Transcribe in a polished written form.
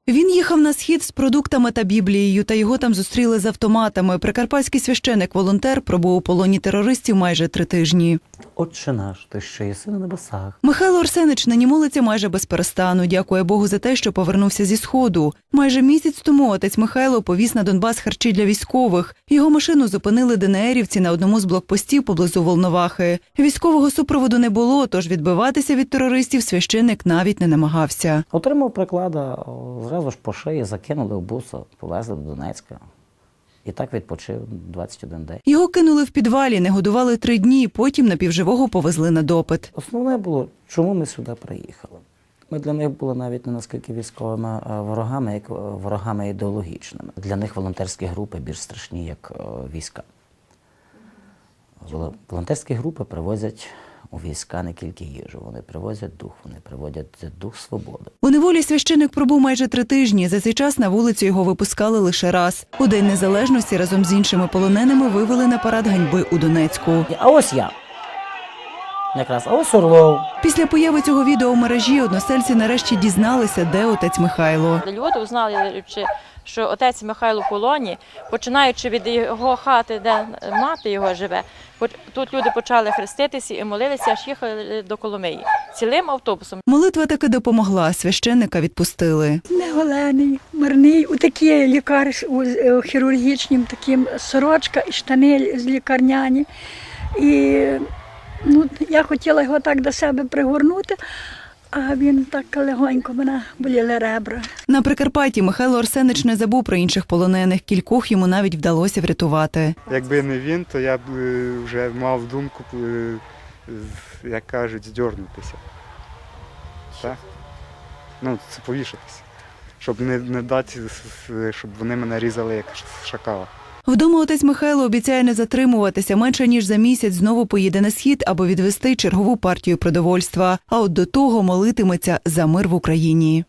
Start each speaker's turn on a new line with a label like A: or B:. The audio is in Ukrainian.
A: Він їхав на схід з продуктами та Біблією, та його там зустріли з автоматами. Прикарпатський священик-волонтер пробув у полоні терористів майже 3 тижні.
B: Отче наш, ти що єси на небесах.
A: Михайло Арсенич нині молиться майже без перестану. Дякує Богу за те, що повернувся зі Сходу. Майже місяць тому отець Михайло повіз на Донбас харчі для військових. Його машину зупинили ДНРівці на одному з блокпостів поблизу Волновахи. Військового супроводу не було, тож відбиватися від терористів священик навіть не намагався.
B: Отримав приклада, зразу ж по шиї, закинули в буса, повезли до Донецька. І так відпочив 21 день.
A: Його кинули в підвалі, не годували 3 дні, потім напівживого повезли на допит.
B: Основне було, чому ми сюди приїхали. Ми для них були навіть не наскільки військовими ворогами, як ворогами ідеологічними. Для них волонтерські групи більш страшні, як війська. Волонтерські групи привозять у війська не тільки їжу, вони привозять дух, вони приводять дух свободи.
A: У неволі священик пробув майже 3 тижні. За цей час на вулицю його випускали лише раз. У День Незалежності разом з іншими полоненими вивели на парад ганьби у Донецьку.
B: А ось я. Якраз, а ось Орлов.
A: Після появи цього відео в мережі односельці нарешті дізналися, де отець Михайло.
C: Люди узнали, що отець Михайло в полоні, починаючи від його хати, де мати його живе, тут люди почали хреститися і молилися, аж їхали до Коломиї. Цілим автобусом.
A: Молитва таки допомогла, священника відпустили.
D: Неголений, мирний, у такі у хірургічнім таким сорочка і штани з лікарняні. І я хотіла його так до себе пригорнути, а він так легонько, мене боліли ребра.
A: На Прикарпатті Михайло Арсенич не забув про інших полонених. Кількох йому навіть вдалося врятувати.
E: Якби не він, то я б вже мав думку, як кажуть, здьорнутися. Так? Це повішатися. Щоб не дати, щоб вони мене різали як шакала.
A: Вдома отець Михайло обіцяє не затримуватися. Менше ніж за місяць знову поїде на схід, аби відвести чергову партію продовольства. А от до того молитиметься за мир в Україні.